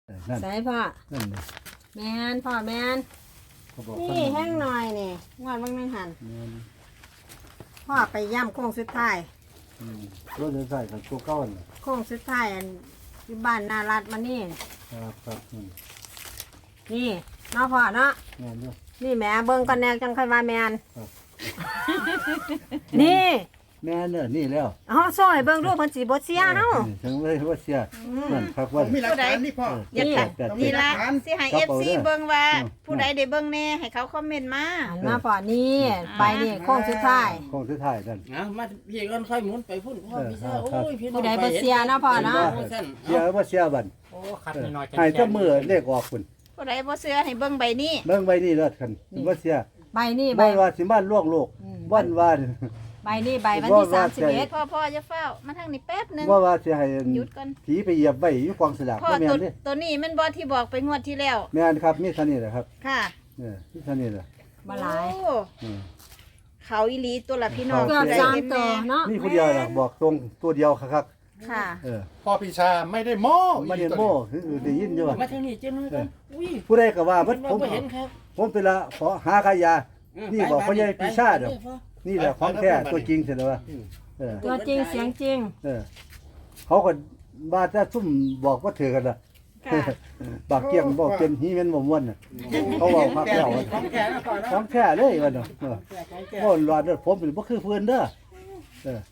นั่นใส่พ่อนั่นเลยแมนพ่อแมนเขาบอกนี่แห้งหน่อยนี่งวดบางนึงหันแม่นพ่อไปย่ำโค้งสุดท้ายรถใส่กับตัวเก้าน่ะโค้งสุดท้ายอันที่บ้านนารัดมานี่ครับครับนี่เนาะพ่อเนาะแม่นด้วยนี่แหม่เบิ่งกันแนวจังค่อยว่าแมนครับนี่แม่นเนี่ยนี่แล้วเอาซอยเบิ่งดูเพิ่นสิบ่เสียเฮาถึงเลยว่าเสียนั่นครับว่ามีหลักฐานนี่พ่ออย่าแปขัดดแปดนี่ละแปดสิให้ครับ FC เอาเด้อเบิ่งว่าอืมผู้ใดได้เบิ่งแน่ให้เขาคอมเมนต์มาหันมาพ่อนี่ไปนี่โค้งสุดท้ายคงสุดท้ายนั่นนะมาพี่ก่อนค่อยหมุนไปพุ่นพ่อพี่เสื้อครับโอ้ยพี่น้องผู้ใดบ่เสียเนาะพ่อเนาะโอ้ยสั่นเสียว่าเสียบันโอ้ขัดน้อยๆให้เจ้ามือเลขออกคุณผู้ใดบ่เชื่อให้เบิ่งใบนี้เบิ่งใบนี้เลิศคันว่าเสียใบนี่ใบบ่ว่าสิบ้านล่วงโลกอืมวันว่าใบนี่ใบวันที่ว่า 31 พ่อจะเฝ้ามาทางนี้แป๊บหนึงว่าสิให้หยุดก่อนผีไปเหยียบไว้อยู่กองสลากพ่อบ่แม่ตัวนเด้ตัวนี้แมันบ่ที่บอกไปงวดที่แล้วแม่นครับมีเท่านี้แหละครับค่ะมีเท่านี้แหละบ่หลายโอ้อืมเขาอีหลีตัวละพี่น้องเกือบผู้ใดสามเห็นตัวแน่เนาะนี่ผู้เดียวล่ะบอกตรงตัวเดียวครับค่ะพ่อพิชาไม่ได้โม้มาเรียนโม่คือได้ยินอยู่ว่ามาทางนี้เจ้ามือกันอุ้ยผู้ใดก็ว่ามัมัน นบ่เห็นครับผมเป็นละขอหาขายยา นี่บอกพ่อใหญ่ปีชาเด้อ นี่แหละของแท้ตัวจริงเสร็จแล้วว่าเออตัวจริงเสียงจริงเขาก็บ้าจะซุ่มบอกว่าเถือกันล่ะค่ะบากเกียงบอกเป็นฮีเมนบ่ม่วนน่ะเขาบอกพักแล้วว่าของแก่นะพ่อเนาะของแท้เลยว่าเนาะของแก่โอ้หลอดเด้อผมเป็นบ่คือเพิ่นเด้อเออ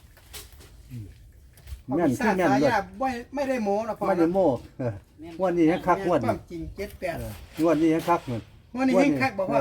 แม่นคือแม่นสาเลยยาไม่ได้โม้นะพ่อมาอยู่โม่วันนี้ให้คักงวดควานี่มจริง78 งวดนี้ให้คักเหมือนวันนี้ให้คักบอกว่า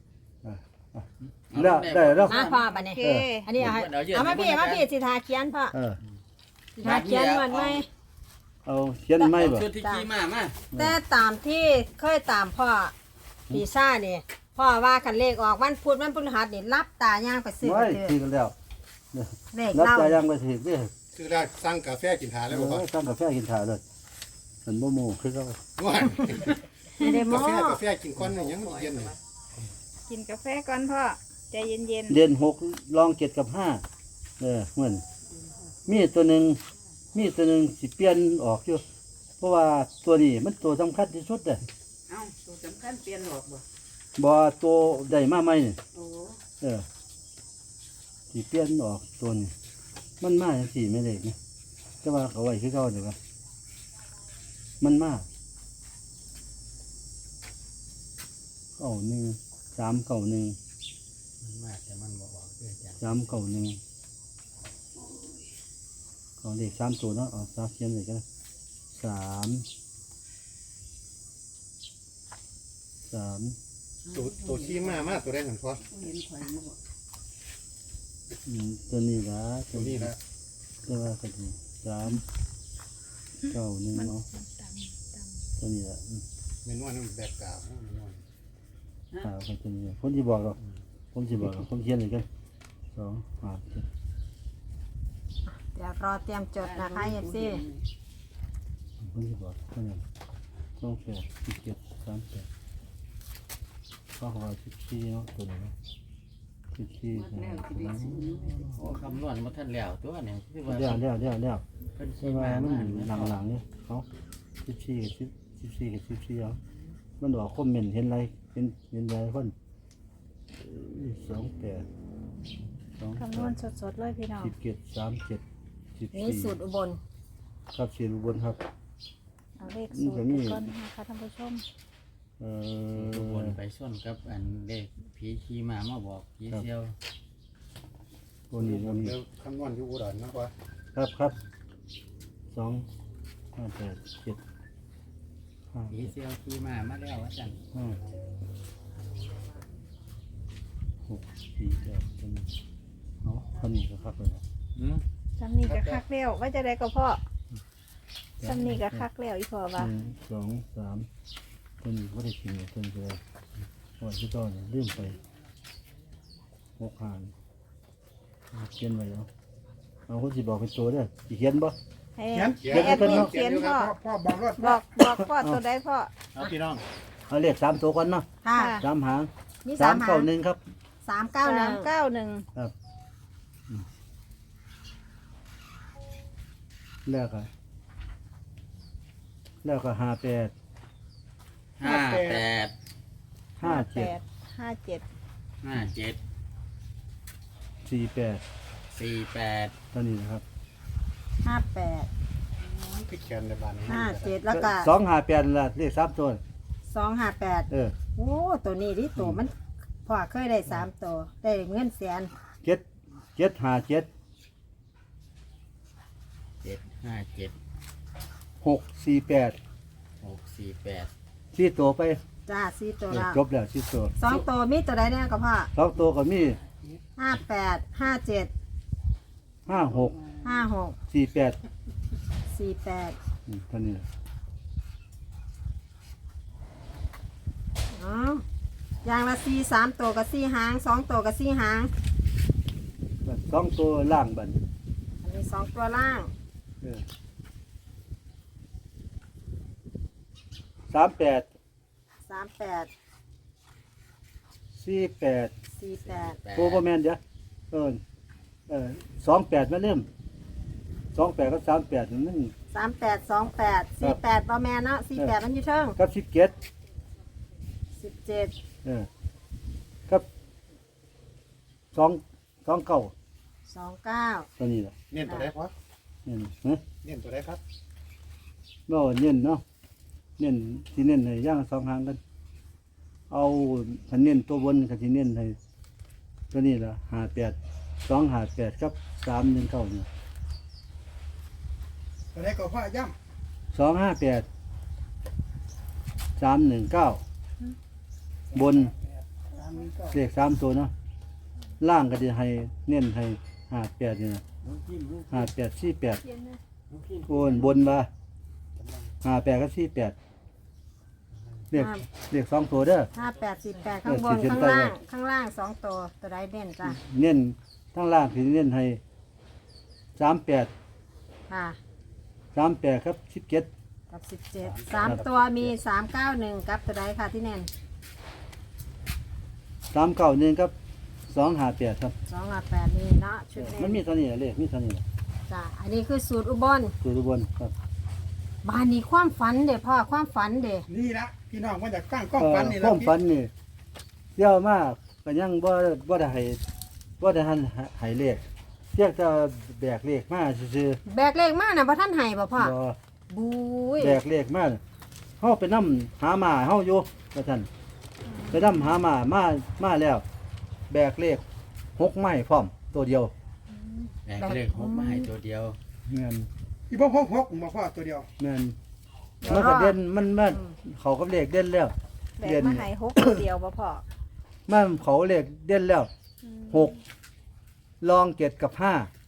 แล้วได้แล้วมาพ่อบัดนี้โอเคอันนี้เอามาพี่สิทาเขียนพ่อเออสิทาเขียนวันไหมเอาเขียนไม้บ่ชุดที่ขี่มาแต่ตามที่เคยตามพ่อปีซ่านี่พ่อว่ากันเลขออกวันพุธวันพฤหัสนี่รับตาย่างไปซื้อไว้เลยทีกันแล้วเลขรับเล่าใจยังไปสิเด้อคือได้สั่งกาแฟกินหาแล้วบ่พ่อตั้งกาแฟกินถ่าเลยมันบ่โมคือเขาว่าไม่ได้หมอกาแฟกินก้อนหนึงยังเย็นเลยกินกาแฟก่อนพ่อใจเย็นเรียน6ลอง7กับ5เหมือนมีตัวหนึงสิเปลี่ยนออกอยู่เพราะว่าตัวนี้มันตัวสำคัญที่สุดเด้อๆเอ้าตัวสำคัญเปลี่ยนหรอกบ่บ่ตัวได้มาใหม่นี่โอ้สิเปลี่ยนออกตัวนี้มันมาจังซี่ไม่ได้นะแต่ว่าเขาไว้คือเก่าเด้อว่ามันมา391 มันมากแต่มันบ่ออกเด้อจ้ะ 391เอาเลข3ตัวเนาะเอา3เขียนเลยกัน3 ตัวขี่มาตัวได้เหมือนพ่อตัวนี้ละตัวนี้ละตัวว่าก็ดี391เนาะตัวนี้ละเมนูนั้นแบบกาวเมนูข่าวกันตัวนี้ผมสิบอกหรอกผมเขียนเลยกัน2 5 7 เดี๋ยวรอเตรียมจดนะคะเอฟซีผมสิบอกเท่านั้น28 17 38ข้อความ14เนาะตัวนี้เนาะ14 โอ้คำนวณมาท่านแล้วตัวเนี่ยคือว่าเดี๋ยวเพิ่นใช่ขี่ไหมมามันหลังๆนี่เขา14กับ14เอามันบอกคอมเมนต์เห็นอะไรเห็นอะไรคน28 คำนวณสดๆเลยพี่น้อง 17 37 นี่สูตรอุบลครับเสียอุบลครับเอาเลขสูตรไปก่อนนะคะท่านผู้ชมทุกคนไปส่วนกับอันเลขผีขี่มาบอกผีเซียวตัวนี้เดี๋ยวคำนวณอยู่อุดรนะพ่อครับ2 5 8 7 5 ผีเซียวขี่มาแล้วว่าจัง 6 4 8ตัวนี้เอาคันนี้ก็ครับเลยนะซ้ำนี่ก็คักแล้วว่าจะได้ก็พ่อซ้ำนี่ก็คักแล้วอีพ่อว่า 1 2 3ตัวนี้ก็ได้กินเลยตัวนี้ก็ได้วันที่ต้นลืมไป6 หางเขียนไว้เอาคนสิบอกเป็นตัวเด้อสิเขียนบ่ให้เขียนให้แอดมินเขียนพ่อพ่อบอกรถบอกพ่อตัวใดพ่อเอาพี่น้องเอาเลข3ตัวก่อนเนาะค่ะ 3 หางมี3 หาง 391ครับ 391 ครับแล้วก็แล้วก็58 58 57 57 57 48 48 ตอนนี้นะครับ 58 พิกแกนในบ้านนี้ 57แล้วก็ 258ล่ะเลข3ตัว 258 เออโอ้ตัวนี้ดิตัวมันพ่อเคยได้3ตัวได้เงินแสน 757 757 648 648 4ตัวไปจ้า4ตัวเออแล้วจบแล้ว4ตัว 2ตัวมีตัวใดเนี่ยก็พ่อ 2ตัวก็มี 58 57 56 56 48 48 เท่านี้อ๋ออย่างละ4 3ตัวกับ4หาง2ตัวกับ4หาง 2ตัวล่างบัดอันนี้2ตัวล่างเออ38 38 48 48 โอ้บ่แม่นเด้อ28มาเริ่ม28กับ38มัน 38 28 48บ่แม่นเนาะ48มันอยู่เทิงกับ17 17 เออกับ29 29 ตัวนี้ล่ะเน้นตัวได้พอนี่ฮะเน้นตัวได้ครับบ่เน้นเนาะเน้นสิเน้นให้ย่างสองหางกันเอาคันเน้นตัวบนก็สิเน้นให้ตัวนี้ล่ะ58 258กับ319นี่ตัวได้ก็พ่อย่ 258 319บนเลข3ตัวเนาะล่างก็จะให้เน้นให้58นี่นะ58 48โอนบนว่า58กับ48เลข2ตัวเด้อ 58 48ข้างบนขีดเส้นข้างใต้ล่าไว้งข้างล่าง2ตัวตัวใดเด่นจ้ะเน้นทั้งล่างที่เน้นให้38 ค่ะ 38ครับ17 กับ17 3ตัวมี391กับตัวใดค่ะที่เน่น 391ครับ258ครับ 258นี่เนาะชุดเน่มันนมีเท่านี้แหละเลขมีเท่านี้แหละจ้ะอันนี้คือสูตรอุบลตัวทุกคนครับบ้านนี้ความฝันเด้พ่อความฝันเด้ำนี่ละพี่น้องมาจากตั้งกล้องฟันนี่คละวามฝันนี่เยอะมากก็ยังบ่ได้หันให้เลขเพียงแต่แบกเลขมาซื่อแบกเลขมาน่ะบ่ทันให้บ่พ่อๆบ่บุ้ยแบกเลขมาเฮาไปนำหามาเฮาอยู่ว่าซั่นไปนำหามาแล้ว แบกเลข6ไม้พร้อมตัวเดียวแบกเลข6มาให้ตัวเดียวแม่นอีพ่อพกมาพ่อตัวเดียวแม่นมันก็เด่นมันเขากับเลขเด่นแล้วแบกมาให้6ตัวเดียวบ่พ่อมันเขาเลขเด่นแล้ว6รอง7กับ5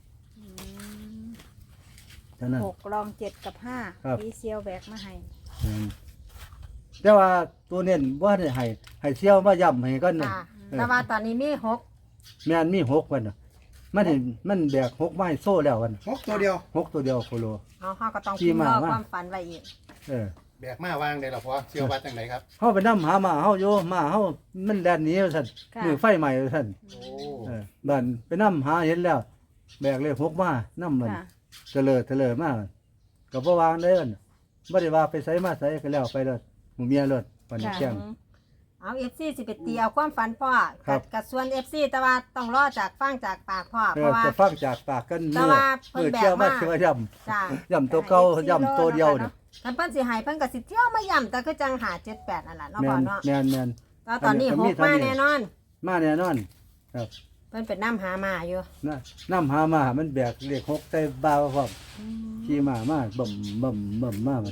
เท่านั้น 6รอง7กับครับ 5พี่เซียวแบกมาให้แต่ว่าตัวเน้นว่าได้ให้เชี่ยวมาย่ำให้กันน่ะค่ะแต่ว่าตอนนี้มี6 แม่นมี6วันน่ะมันแบก6ไม้โซ่แล้ววันพกตัวเดียว 6ตัวเดียวโคโลเอาเฮาก็ต้องขี่พิมพ์ม้ารอมาความฝันไว้อีกเออแบกมาวางได้หรอพ่อเชื่อว่าจังไหนครับเฮาไปนำหามาเฮาอยู่มาเฮามันแล่นหนีว่าซั่นค่ะมือไฟใหม่ว่าซั่นโอ้บ้านไปนำหาเห็นแล้ว แบกเลข6มานำมันค่ะเตลิดมาก็บ่วางได้มันบ่ได้ว่าไปไสมาไสก็แล้วไปเลยหมู่เมียเลยวันนี้แจ้งเอา FC สิไปตีเอาความฝันพ่อครับกับส่วน FC แต่ว่าต้องรอจากฟังจากปากพ่อเอเพอราะว่าจะฟังจากปากกันแต่ว่าเพิ่นมือแบกเที่ยวมามาเที่ยวย่จ้าำย่ำตัวเก่าย่ำตัวเดียวเนี่ยคันเพิ่นสิให้เพิ่นก็สิเที่ยวมาย่ำแต่คือจังหา78นั่นล่ะเนาะแมพ่อน เนาะแมนแมนแต่ตอนนี้อันนี้ 6มาอันนี้แน่นอนมาแน่นอนครับเพิ่นเป็นน้ำหามาอยู่น้ำหามามันแบกเลข6ใส่บ่าวพร้อมขี่มาบ่มมามัน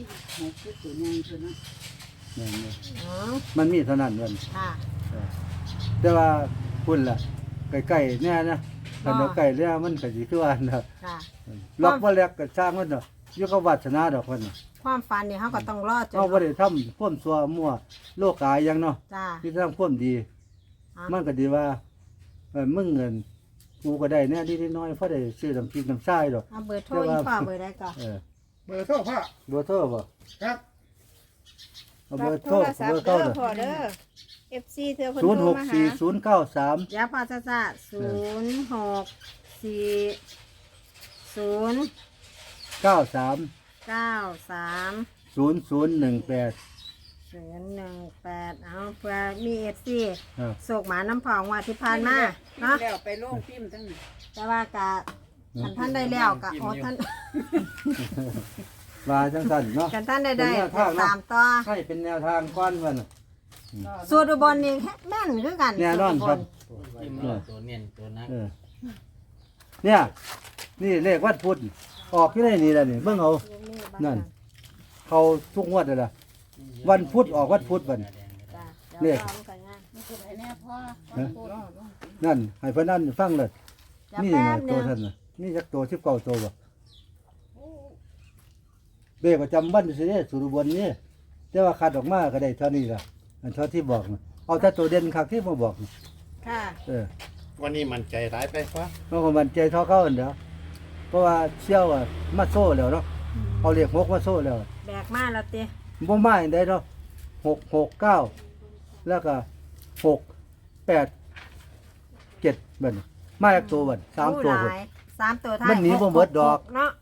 แม่นเลยอ๋อมันมีเท่านั้นวันค่ะแต่ว่าพุ่นล่ะใกล้ๆเนี่ยนะคันเอาใกล้แล้วมันก็สิคือว่าน่ะค่ะล็อกบ่แลกก็สร้างมันเนาะอยู่กับวาสนาดอกเพิ่นน่ะความฝันนี่เฮาก็ต้องรอจนเฮาบ่ได้ทำความชั่วมั่วโลกกายหยังเนาะจ้าที่ทำความดีอ่ะมันก็ดีว่ามึงเงินกูก็ได้เนี่ยนิดน้อยเพราะได้ซื้อน้ำพริกน้ำทรายดอกเอาเบอร์โทรอีกพ่อเบอร์ได้ก่อนเออเบอร์โทรพ่อเบอร์โทรบ่ครับเอาเบรัอบ ร์โทโทรรศัพเบอท์ร์เด้เก้าอเด้อพ่อเด้อ FC เธอเพิ่นโทรมาหา 064093 เดี๋ยวพ่อจะ0640 93 93 เอาเพื่อมีเอฟซีครับโศกหมาน้ำพองว่าที่ผ่านมาเนาะแล้วไปโรงพิมพ์ทั้งนั้นแต่ว่ากะท่านได้แล้วกะโอ้ท่านมาจังซั่นเนาะกันท่านได้เป็นแนวทางเนาะตามต่อให้เป็นแนวทางก้อนวันน่ะสูตรอุบลนี่แม่นคือกันแน่นอนครับที่มาตัวเน้นตัวนักเออเนี่ยนี่เลขวัดพุทธออกที่ไหนนี่แหละนี่เบิ่งเอานั่น เขาทุกงวดเลยล่ะ วันพุธออกวันพุธบัดนี้จ้ะเลขดี๋ยวอากันงานนี่คือไอ้แน่พ่อนั่นให้เพิ่นนั่นฟังเลยจะนี่แป๊นะบหตันึวงท่านน่ะนี่จักตัว19ตัวบ่เบ้ประจำวันสิเด้สุรบนนี่แต่ว่าคัดออกมาก็ได้เท่านี้ล่ะอันเท่าที่บอกน่ะเอาแต่ตัวเด่นคักที่มาบอกน่ะค่ะเออวันนี้มันใจร้ายไปพ่อเพราะว่ามันใจเท่าเขาอันเดียวเพราะว่าเชี่ยวอะมาโซ่แล้วเนาะเอาเลข6มาโซ่แล้วแบกมาแล้วติบ่มาอันใดเนาะ669แล้วก็6 8 7บัดนี้มาจากตัวบัด3ตัวผู้บัดหลาย3ตัวท้ายมันหนีบ่หมดดอกเนาะ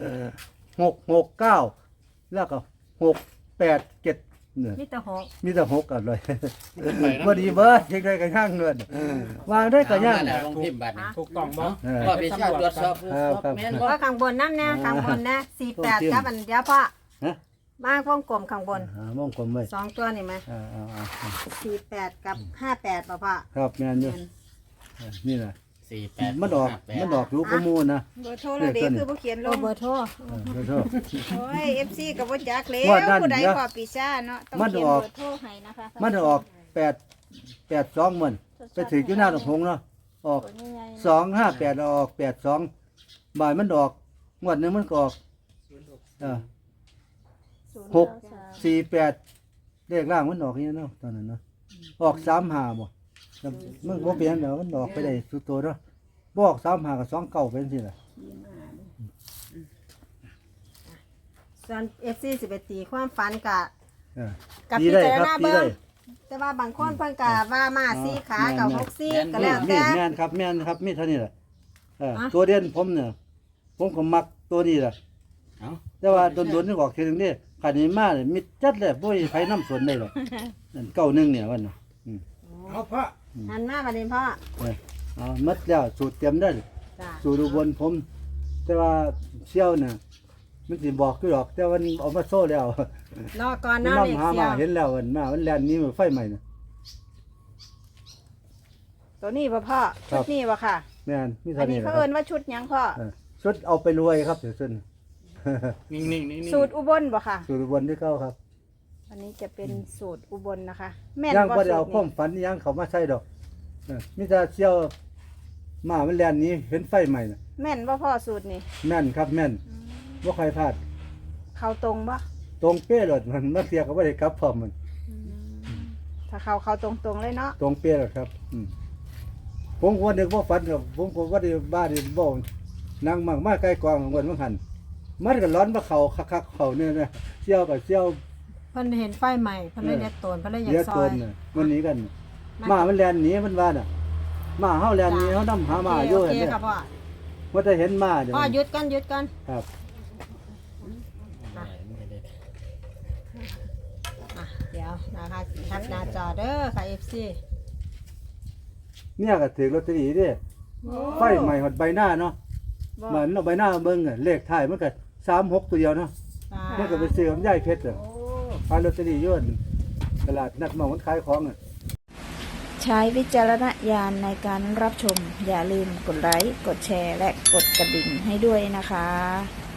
669แล้วก็687เนี่ยมีแต่หกมีแต่6กันเลยบ่ดีเบิดเฮ็ดได้ก็ย่างเงินวางได้ก็ย่างแล้วลงพิมพ์บัตรนี่ถูกต้องบ่เออพ่อพี่ชาติตรวจสอบครับแม่นบ่ว่าข้างบนนั่นเนี่ยข้างบนนะ48กับอันเดียวพ่อฮะมาพวงกลมข้างบนมองกลมไว้ 2ตัวนี่ไหม 48กับ58ป่ะพ่อครับแม่นอยู่นี่น่ะ 48 มันออกรู้ข้อมูลนะเบอร์โทรเราเด็กคือบ่เขียนลโอ้งเบอร์โทรขอโทษโอ้ย FC ก็บ่จักแล้วงวดนั้นผู้ใดเดี๋ยวพอปีซ่าเนาะต้องมันเขียนออกเบอร์โทรให้นะคะมันออก882มันไปถึงอยู่หน้าตรงหงเนาะออก258ออก82บ่ายมันออกงวดหนึงมันก็ออก648เลขล่างมันออกนี่เนาะตอนนั้นเนาะออก35บ่มันบ่เปลี่ยนเดี๋ยวมันออกไปได้สุดตัวเนาะบ่ออก35กับ29เป็นสิล่ะส่วน FC สิไปตีความฝันกับเออกับตีพิได้จารครับณาตีเบิ่ได้งแต่ว่าบางคนเพิ่นก็ว่ามาสีขากับ6ซี่ก็แล้วนี่แต่แม่นครับแม่นครับมีเท่านี้แหละอ่ะตัวเด่นผมเนี่ยผมก็มักตัวนี้แหละเอ้าแต่ว่าโดนๆนี่ออกทีนึงนี่ขันนี้มาเนี่ยมิดจัดเลยบ่มีไผนำสวนได้หรอกนั่น91เนี่ยวันน่ะเอาพ่อหันมาบัดนี้พ่อเอาหมดแล้วสูตรเตรียมได้จ้ะสูตรอุบลผม แต่ว่าเชี่ยวน่ะมันสิบอกคือดอก แต่ว่ามันเอามาโซ่แล้วรอก่อนมันเนาะนำเด็กหาเสีมายวเห็นแล้วมันแล่นหนี้มันไฟใหม่น่ะตัวนี้บ่พ่อครัชุบดนี้บ่ค่ะแม่นมีอัเท่าน นี้นี้แหละเขาคเอิ้รับนว่าชุดหยังพ่อชุดเอาไปรวยครับเดี๋ยวซึ่นนิ่งๆนิ่งๆสูตรอุบลบ่ค่ะสูตรอุบลที่เก้าครับอันนี้จะเป็นสูตรอุบลนะคะ แม่นยังบ่บ่ได้เอาสูควาตมรนี้ฝันอิหยังเขามาใส่ดอกมีแต่เชี่ยวมามันแล่นหนี้เห็นไฟใหม่น่ะแม่นบ่พ่อสูตรนี้แม่นครับแม่นบ่ใครพลาดเข้าตรงบ่ตรงเป๊ะเลยมันมาเสียก็บ่ได้กลับพร้อมมันถ้าเข้าตรงๆเลยเนาะตรงเป๊ะเลยครับผมก็นึกว่าฝันครับผมก็ว่าได้บ้าได้บ่นั่งมากมาใกล้กองของวันมันหันมันก็ร้อนมาเข้าคักๆเข้าเนี่ยนะเชี่ยวกับเชี่ยวเพิ่นเห็นไฟใหม่เพิ่นเลยเรียกโตนเพิ่นเลยอยาเลียกซตอน ยน่ะมันหนีกันมามันแล่นหนีมันว่าน่ะมาเฮาแล่นหนีเฮานำหามาอยู่โอหั่นเคเนี่ยครับพ่อว่าจะเห็นมาเดี๋ยวพ่อหยุดกันครับอ่ะเดี๋ยวนะคะทักหน้าจอเด้อค่ะ FC เนี่ยก็ถือลอตเตอรี่เด้ไฟใหม่หดใบหน้าเนาะบ่มันเอาใบหน้าเบิ่งอะเลขท้ายมันก็36ตัวเดียวเนาะมันก็ไปซื้อกับยายเพชรอ่ะขายลอตเตอรี่อยู่อั่นตลาดนัดหม้องมันขายของอ่ะใช้วิจารณญาณในการรับชม อย่าลืมกดไลค์ กดแชร์ และกดกระดิ่งให้ด้วยนะคะ